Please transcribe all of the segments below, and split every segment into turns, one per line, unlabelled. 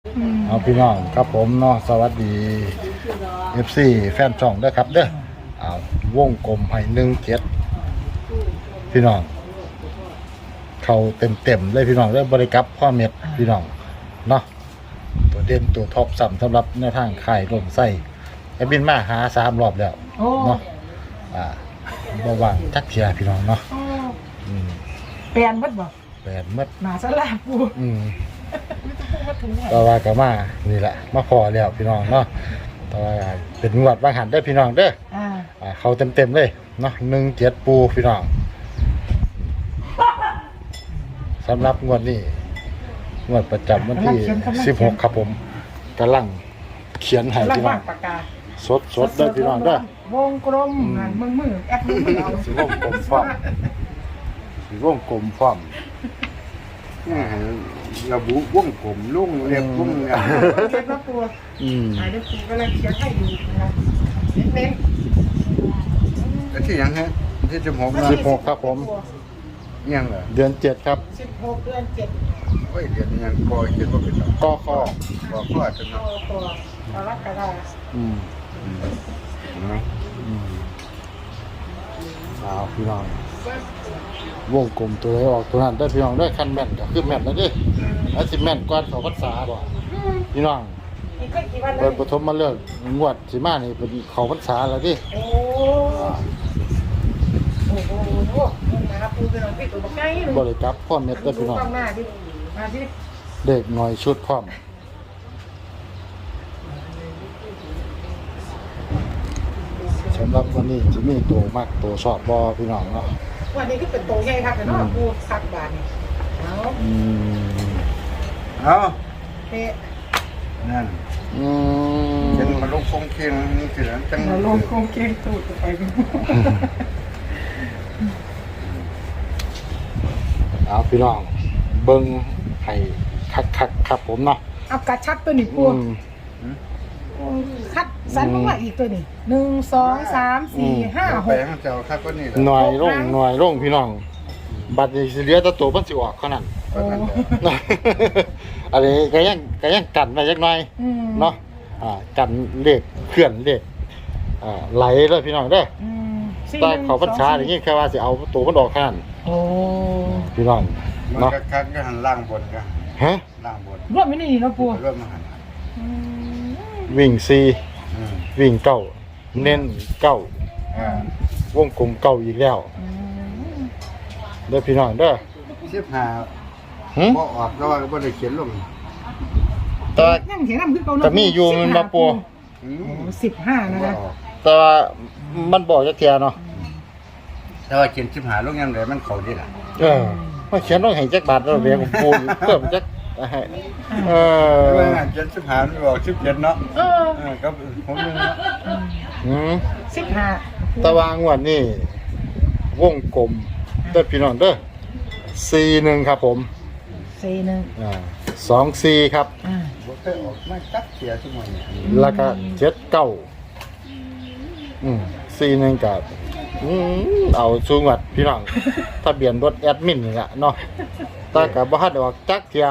เอาพี่น้องครับผมเนาะสวัสดี FC แฟนช่องด้วยครับเด้อเอาวงกลมให้17พี่น้องเข้าเต็มเลยพี่น้องเด้อบริกรับพ่อเม็ดพี่น้องเนาะตัวเด่นตัวท็อปสำหรับแนวทางข่ายลมไส้ไอ้บินมาหา3 รอบแล้วเนาะบ่ว่างจักเที่ยพี่น้องเนาะ
แปลนเบิดบ่
แปลนหมด
หมาสลาปู
ต่อว่าก็มานี่แหละมาพอแล้วพี่น้องเนาะต่อว่าเป็นงวดบางหันได้พี่น้องเด้อเขาเต็มเลยเนาะ17ปูพี่น้องสำหรับงวดนี้งวดประจำวันที่16ครับผมกำลังเขียนให้พี่น้องสดได้พี่น้องเด้อ
วงกลมมือแอปมือเอา
สิวงกลมพร้อมสิวงกลมพร้อม
ระบุวงกลมลุ่งเรียบวง
เช็ดว่าปูหายได้ปูก็เลยเขียนให้ดูนะเน้น
แล้วที่ยังฮะที่
16ครับผม
ยังเหรอ
เดือน7ครับ
16 เดือน 7
โอ้ยเดือนยังพอเขียนว่าเป็น
กอข้อ
จะเนาะ
กรกฎาคม
เอาพี่น้องวงกลมตัวไหนออกตัวนั้นได้พี่น้องได้คันแม่นก็คือแม่นแล้วดิแล้วสิแม่นกว่าเขาพรรษาบ่พี่น้องเปิดปฐมมาเลิกงวดสิมานี่เป็นเขาพรรษาแล้วดิ
โอ้โหนะครับปูเป็นของพี่ตัวบักไง
บ่ได้จับพ่อเม็ดได้พี่น้อง
มาสิ
เด็กหน่อยชุดพร้อมสำหรับวันนี้จะมีตัวมากตัวชอบบอพี่น้องเนาะ
วันนี้ก็เป็นตัวใหญ่ครับแต่เนาะปูสักบาทนี่
เอา
เป๊ะ
นั่นเป็นมาลงคงเคียงสิแล้วจัง
มาลงคงเคียงตูดไป
เอาพี่น้องเบิ้งให้คักครับผมเนาะ
เอากระชักตัวนี้ปูคัดสันมากอีกตัวนี้1 2 3 4 5 6
เจ้าคัดก็นี่
หน่อยร่งพี่น้องบัดนี้สิเหลือแต่ตัวมันสิออกเท่านั้นอันนี้ก็ยังกันไว้จักหน่อยเนาะกันเลขเคลื่อนเลขไหลเลยพี่น้องเด้อใต้เขาพรรษาอย่างนี้แค่ว่าสิเอาตัวมันออกแค่นั้นพี่น้อง
เนาะคัดก็หันล่างบนกัน
ฮะ
ล่างบน
รวมไม่นี่เนาะปู
รวมมาหัน
วิ่ง4วิ่ง9เน้น9วงกลม9อีกแล้วเด้อพี่น้องเด้อ
15บ่ออกแล้วก็บ่ได้เขียนลง
แต่
ยังเขียนนำคือเก่าเนาะ
จะมีอยู่มันบ่ปู
15นะคะ
แต่มันบอกจักเที่ยเนาะ
แต่ว่าเขียน15ลงยังไดมันเข้าดีล่ะ
มันเขียนลงให้จักบาทแล้วเรียกปูเพิ่มจัก
เขียน15มันบอก17เนาะครับผมนึงเนาะ
15
ตะวางวันนี้วงกลมเด้อพี่น้องเด้อ41ครับผม
41
24ครับ
บ่เคยออกมาจักเที่ยซุมื้อนี้
แล้วก็7941กับเอาสูงวัดพี่น้องทะเบียนรถแอดมินนี่แหละเนาะแต่ก็บ่ทันออกจักเที่ย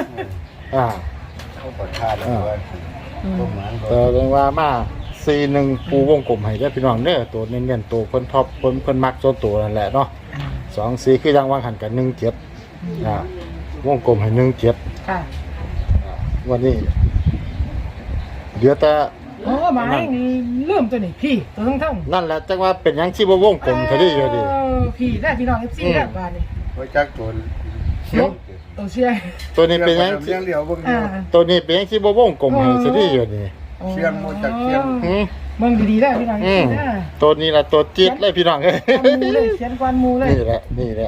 เขาบ่ทาแล้ว
แต่เรื่องว่ามา41ปูวงกลมให้เด้อพี่น้องเด้อตัวเน้นๆตัวเพิ่นท็อปเพิ่นมักส่วนตัวนั่นแหละเนาะ24คือจังวางหันกัน17วงกลมให้17
ค่ะ
วันนี้เหลือแต่
มาให้เริ่มตัวนี้พี่ตัวทั้ง
นั่นแหละจังว่าเป็นหยังสิบ่วงกลมซะดิอยู่ดิ
พี่ได้พี่น้อง FC ได้บาดนี้
บ่จักตัว
เชีย
ตัวนี้เป็นหยังตัวนี้เป็นหยังสิบ่วงกลมให้ซะดิอยู่ดิ
เชียงบ่จักเชียง
มึงดีๆได้พี่น้อง
ตัวนี้ล่ะตัวจี๊ดเลยพี่น้องเอ้ย
เขียนกวนหมู่เลย
นี่แหละ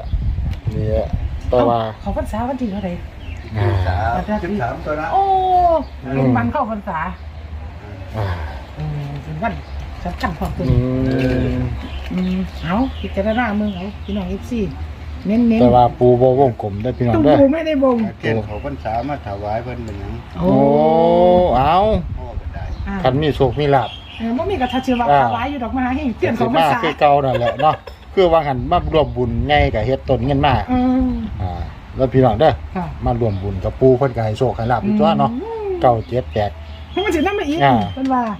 แต่ว่า
เขาพรรษาวันที่เท่าไหร่
13ตัวนะ
โอ้เป็นวันเข้าพรรษาเป็นวันสำคัญของตัวเอาพิจารณาเมืองเอาพี่น้อง FC เน้น
แต่ว่าปูบ่วงกลมได้พี่น้องเด้อ
ปูไม่ได้วง
เกี่ยวเขาพรรษามาถวายเพิ่นเป็นหยัง
โอ้เอาคันมีโชคมีลาภ
บ่มีกระทัดเชื่อว่าถวายอยู่ดอกไม้ให้เปลี่ยนของพรรษา
คือเก่านั่นแหละเนาะคือว่าหันมารวมบุญไงก็เฮ็ดต้นเงินมาแล้วพี่น้องเด้อมารวมบุญกับปูเพิ่นก็ให้โชคให้ลาภอยู่ตัวเนาะเก้าเจ็ดแตก
มันสินำมาอีก
อ่า
เพิ่นว่า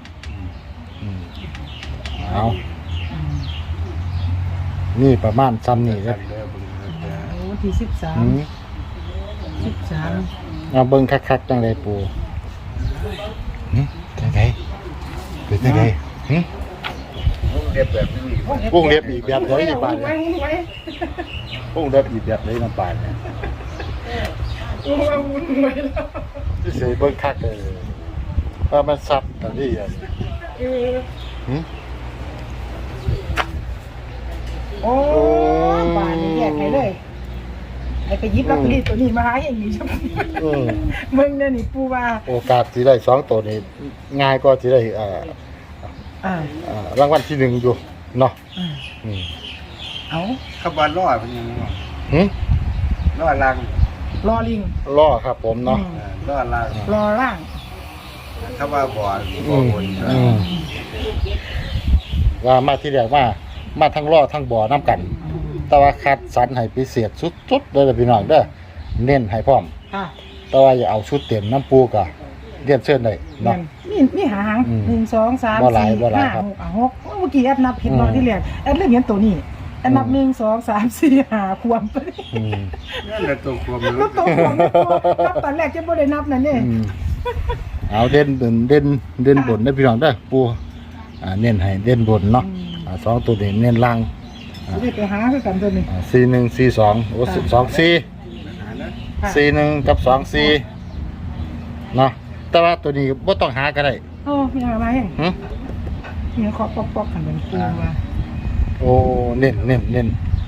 เอานี่ประมาณซ้ำนี่
กั
เด้อน
เด้อเบิ่งเด้อ
โอ้วันที่
อืม
13
เอาเบิ่งคักๆจังไดปูจังไดเป็นจังไดหึ
เรียบแบบนี้
วงเล็บอีกแบบไหนอีกบาท
ไว้
เนี่ย
ไว้
วงเล็บอีกแบบไหนน้ำปลาเนี่ย
โอ้ยวุ่นไว้แล้ว
ที่เสยเบิ่งคักเลยว่ามันซับกันนี่อ่ะ
เออ
หึ
โอ้บานนี่แยกให้เลยไอ้ไปหยิบลอตเตอรี่ตัวนี้มาหาอย่างนี้ใช่ไหม
อืม
มึงเนี่ยนี่ปูว่า
โอกาสสิได้2ตัวนี่ง่ายก็สิได้รางวัลที่1อยู่เนาะ
อ่า
อืม
เอา
ขบวนล้อเป็นยังไงวะ
หึ
ล้อล่าง
รอลิง
ล้อครับผมเนาะ
ล้อล่าง
รอร่าง
ถ้าว่าบ่อนบ่บน
อืมว่ามาที่แรกมาทั้งล้อทั้งบ่อน้ำกัน แต่ว่าคัดสรรให้พิเศษสุดๆเลยพี่น้องเด้อเน้นให้พร้อม
ค่ะ
แต่ว่าอย่าเอาชุดเต็มน้ำปูก็เรียนเชิญได้
แม่
เนาะ
นมีหาง
อืม
1 2 3
บ่หลาย
4
บ่หลาย
5
ครับ
6 6เมื่อกี้แอดนับผิด
อืม
ตอนที่เรียนแอดเลือกเห็นตัวนี้แอดนับ1 2 3 4 5ควมไป
อืม
นั่นแหละตัวความรู้
ก็ตัวควมไม่ตัวนับตอนแรกจะบ่ได้นับนั่นนี่
อืมเอาเด่นบนได้อพี่น้องเด้อปูเน้นให้เด่นบนเนาะสองตัวนี้เน้นล่าง
สิได้ไปหาคือกันตัวนี้
4142โอ้2441กับ24เนาะแต่ว่าตัวนี้บ่ต้องหาก็ได้
โอ้มีอะไรเอง
หึ
มีเคาะปอกๆกันเป็นปูว่า
โอ้เน้น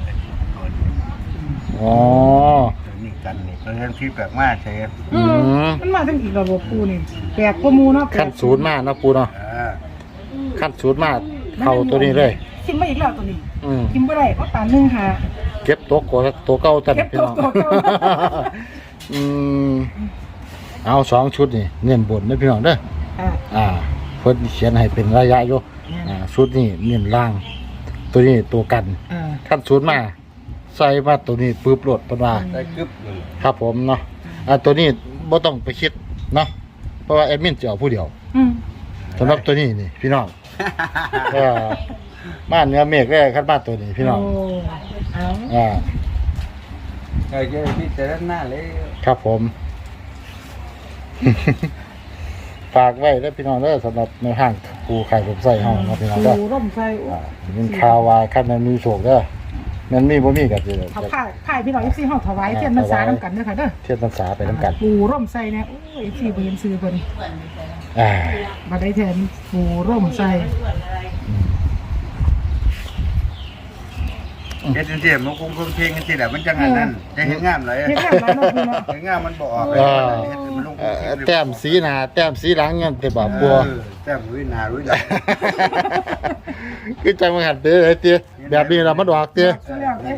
อ๋อ
นี่กันนี่เพราะฉะนั้นพี่แปลกมากใช่ไหม
มันมาทั้งอีกระบบปูนี่แปลกกว่าหมูเนาะ
ขั้นศูนย์มาเนาะปูเนาะ ขั้นศูนย์มาเข้าตัวนี้เลย
กินมาอีกแล้วตัวนี้
อืม
กินบ่ได้เพราะตาหนึ่งหา
เก็บตัวเก่าตัน
เก็บ
พี่
ตัว
น้อง
เก่า
อืมเอา2ชุดนี่เน้นบนนะพี่น้องเด้อ
อ่า
เพิ่นเขียนให้เป็นระยะอยู่ชุดนี้เน้นล่าง ตัวนี้ตัวกัน
อ่า
ขั้นศูนย์มาใส่มาตัวนี้ปึ๊บโหลดเพิ่นว่า
ได้กึบเลย
ครับผมเนาะตัวนี้บ่ต้องไปคิดเนาะเพราะว่าแอดมินจะเอาผู้เดียว
อืม
สำหรับตัวนี้นี่พี่น้อง บ้านเนื้อเมฆแรกขั้นบ้านตัวนี้พี่น้อง
โเอา
อ่า
ไอ้เจ้าพี่แต่หน้าเลย
ครับผม ฝากไว้แล้วพี่น้องเด้อสำหรับในห้างปูไข่ผมใส่ห้องเนาะพี่น้องเด้อ
ปูร่มไฟโอ้
มันข่าวว่าคันมันมีโชคเด้อมันมีบ่มีก็สิ
เอาผ้าพี่น้อง FC เฮาถวายเทียนพรรษานำกันเด้อค่ะเด้อ
เทียนพรรษาไปนํกัน
ปูร่มไฟเนี่ยโอ้ย FC บ่เห็นชื่อเพิ่น
อ่า
บ่ได้แทนปูร่มไฟ
เฮ็ดจังซี่มันคงเพลงกันสิแหละมันจังอันนั้นจะเห็นงามเลย
เฮ็ดงามหลายเนาะปูเนาะ
เห็นงามมันบ่ออกเลยเฮ็ดมันลง
แต้มสีหน้าแต้มสีหลังเงี้ยแต่บ่ปัว
แต้มรุ้ยหน้ารุ้ยหลัง
คือจังมันหันเด้อไอ้เตี้ยแบบนี้ล่ะมันออกเตี้ย
สุดแล้วเด้อ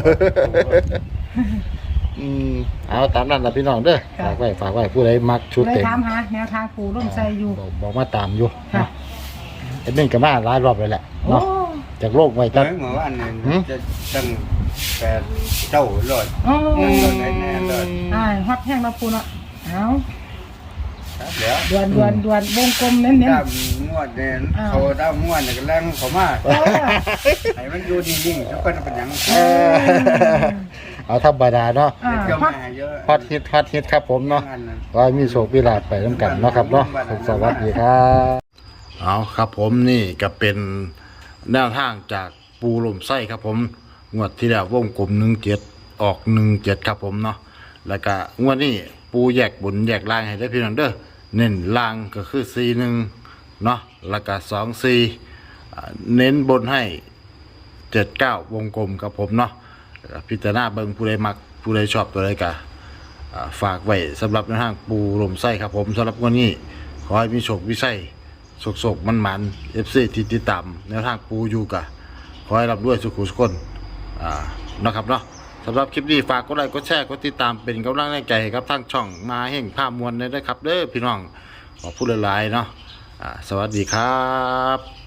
เอาตามนั้นล่ะพี่น้องเด้อฝากไว้ผู้ใดมักชุด
เลย
เต็ม
ถามหาแนวทางปูร่มไฟอยู่
บอกมาตามอยู่
ค่ะ
เอ็ดมินก็มาหลายรอบเลยแหละ
โอ้
เนาะจากโลกไว้จัด
เมื่อวานนี่จะตั้งแต่เจ้าลอย
โอ้
ลอยแน่เลย
ฮอตแห้งแล้วปูเนาะเอา
แล้ว
ด่วนวงกลมเน้น
ด้ามงวดเด่นเขาด้ามงวดเนี่ยก็แรงเขามาก
ๆเออ
ให้มันอยู่นิ่งๆทุกคนเป็นอย่าง
เอาธรรมดาเนาะ
เจ้า
ฮอต
แม่เยอะ
ฮอตฮิตครับผมเนาะว่ามีโชคมีลาภไปน้ำกันเนาะครับเนาะสวัสดีครับเอาครับผมนี่ก็เป็นแนวทางจากปูลมไส้ครับผมงวดที่แล้ววงกลม17ออก17ครับผมเนาะแล้วก็งวดนี้ปูแยกบนแยกล่างให้ได้พี่น้องเด้อเน้นล่างก็คือ41เนาะแล้วก็24เน้นบนให้79วงกลมครับผมเนาะพิจารณาเบิ่งผู้ใดมักผู้ใดชอบตัวใดก็ฝากไว้สำหรับแนวทางปูลมไส้ครับผมสำหรับวันนี้ขอให้มีโชคมีชัยโศกมันๆ FC ที่ติดตามแนวทางปูอยู่กะขอให้รับด้วยสุขุสุขคนนะครับเนาะสำหรับคลิปนี้ฝากกดไลค์กดแชร์กดติดตามเป็นกำลังใจให้กับทางช่องมาแห่งภาพมวลเลยนะครับเด้อพี่น้องขอพูดหลายๆเนาะสวัสดีครับ